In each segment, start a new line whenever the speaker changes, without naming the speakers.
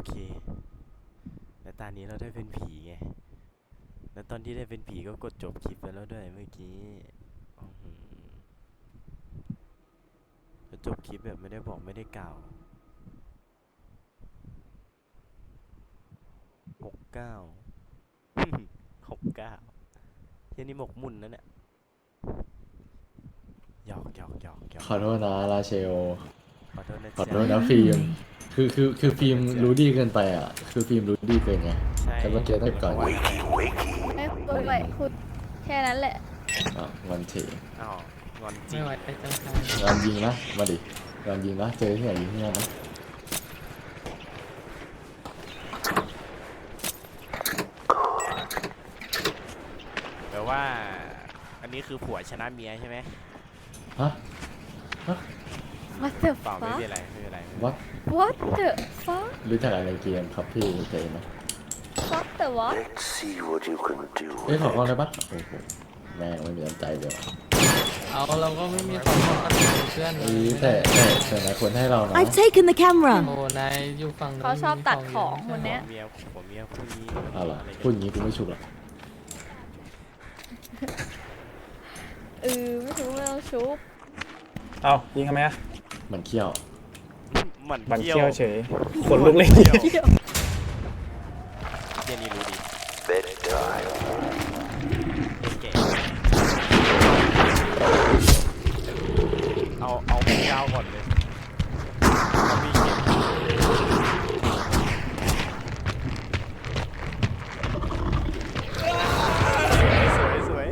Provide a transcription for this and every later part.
เคแต่ตอนนี้เราได้เป็นผีไงแล้วตอนที่ได้เป็นผีก็กดจบคลิปไปแล้วด้วยเมื่อกี้แล้วจบคลิปแบบไม่ได้บอกไม่ได้กล่าว69 69ที่นี่หมกมุ่นนะเนี่ยหยอก
ขอโทษนะราเชล
ขอโทษนะ
ขอโทษ
จ๊ะ
นะฟิล์มคือฟิล์มรู้ดีเกินไปอ่ะคือฟิล์มรู้ดีเกินไง
ใช่
แต่เมื่อกี้ต้องก่อน
ไม่
พูดไปพูดแค่นั้นแหละ
งอนเฉย
อ้าวงอนจริ
ไม่
ง
ไหวไปจังครับ
งอนยิงนะมาดิงอนยิงนะเจอที่ไหนยิงที่นั่นนะ
แปลว่าอันนี้คือผัวชนะเมียใช่ไหม
ฮะ
What the
เปล่าไม่
fuck
เป็นไรไม่เป็นไร
วัด
What the fuck
รู้จักอะไรเกมครับพี่เจนนะ
Fuck the what
Let's see what you can do.
เอ้ยขอกล้องได้ปะโอ้โหแม่งไม่มีน้ำใจเดี๋ยว
เอาเราก็ไม่มีความสัมพันธ์กับเพื่อนเล
แต่นายควรให้เรานะ
I've taken the camera.
โอ้นายอยู่ฝั่งนู้น
เขาชอบตัดของคนเนี้ย
ผัวเมียคู่นี้
เอาล่ะ
อะไรกัน
พูดอย่างนี้กูไม่ชุบหรอก
ไม่รู้ไม่ต้องชุบ
เอายิงทำไมอะ
มันเขี้ยว
หมัน
บัน
เที่ย
เคี้ยว
ว
เฉยขนลุกเลย
เที่ยวเที่ยนี่รู้ดี
Bedtime.
เก่งเอาพี่ยาวก่อนเลยเอาพี่เก่งสวย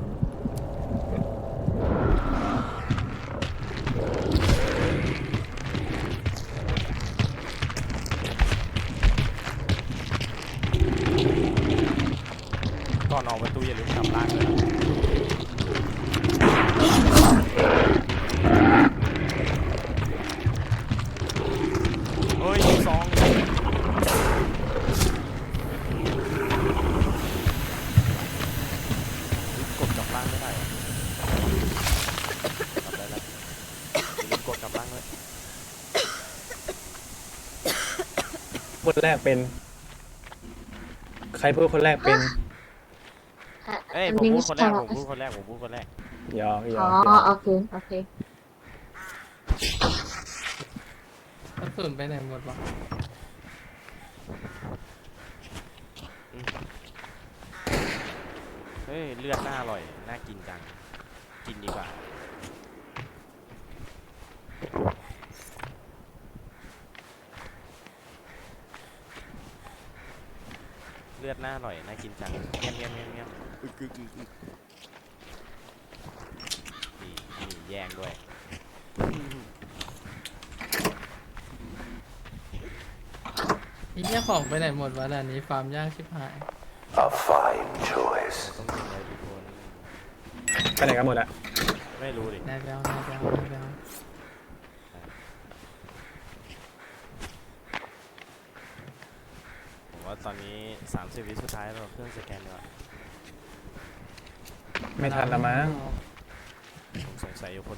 ก่อนออกประตูอย่าลืมกลับล่างเลยนะเฮ้ยซองกดกลับล่างไม่ได้เหรอกลับได้แล้วอย่าลืมกดกลับล่างเลย
คนแรกเป็น ใครพูดคนแรกเป็น
เอ้ยผมพูดคนแรก
ยอก
อ๋อโอเคโอเค
กระสุนไปไหนหมดวะ
เฮ้ยเลือดน่าอร่อยน่ากินจังกินดีกว่าเลือดน่าอร่อยน่ากินจังเงี้ยอึกนี่แย่งด้วย
ไอ้เหี้ยของไปไหนหมดวะด่านนี้ฟาร์มยากชิบหาย
A fine choice.
ต้องกินอะไรทุกคน
ไปไหนกันหมดอะ
ไม่รู้ดิ
นายแบล
ผมว่าตอนนี้30 วิสุดท้ายเราเครื่องสแกนดีกว่า
ไม่ทันละมั้ง
ผมสงสัยอยู่คน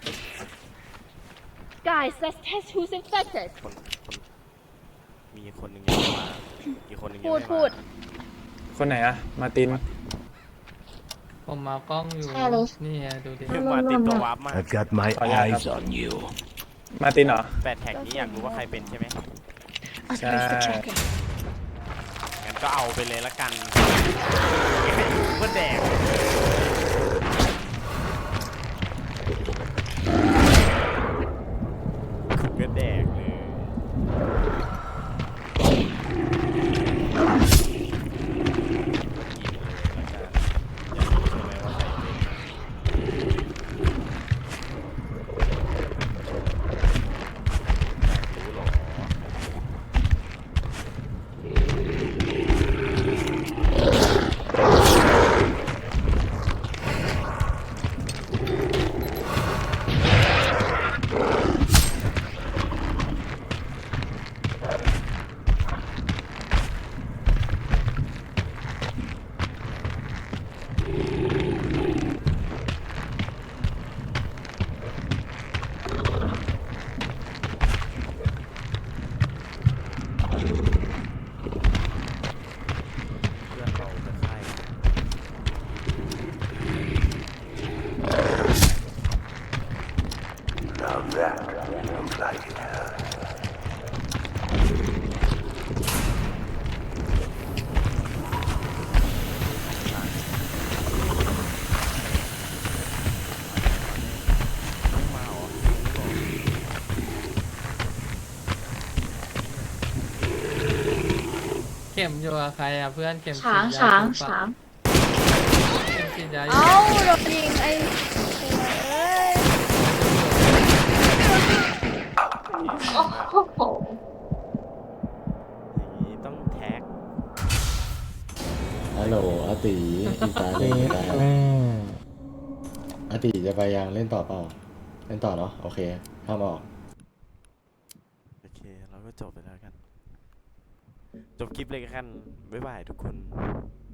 Guys let's test who's infected
มีคนหนึ่งยังไม่มาอีกคนหนึ่งยังไม่มา
พูด
คนไหนอะมาร์ติน
ผมมากล้องอยู่
ใช่เลย
นี่ไงดูดิ
มาติดตัววาร์ปมาก
I've got my
Oh, yeah,
eyes
yeah.
on you.
มาร์ตินเหรอ
แปดแท็กนี้อยากรู้ว่าใครเป็นใช่ไหม
I'll place the tracker.
งั้นก็เอาไปเลยละกันก็แดกก็แดกเลย
เข็มอยู่กับใครอ่ะเพื่อนเข็ม
ช้าง
ฉีดย
ช้าง
ถูกปะ
ช้าง
เข็มฉีดยาอยู่
เอ้าโดนยิงไอ้เอ้ย
โอ้โห
อย่างนี้ต้องแท็ก
ฮัลโหลอาติอีตาเล่นได้อาติจะไปยังเล่นต่อเปล่าเล่นต่อเนาะโอเคห้ามออก
โอเคเราก็จบไปแล้วกัน จบคลิปเลยกันบ๊ายบายทุกคน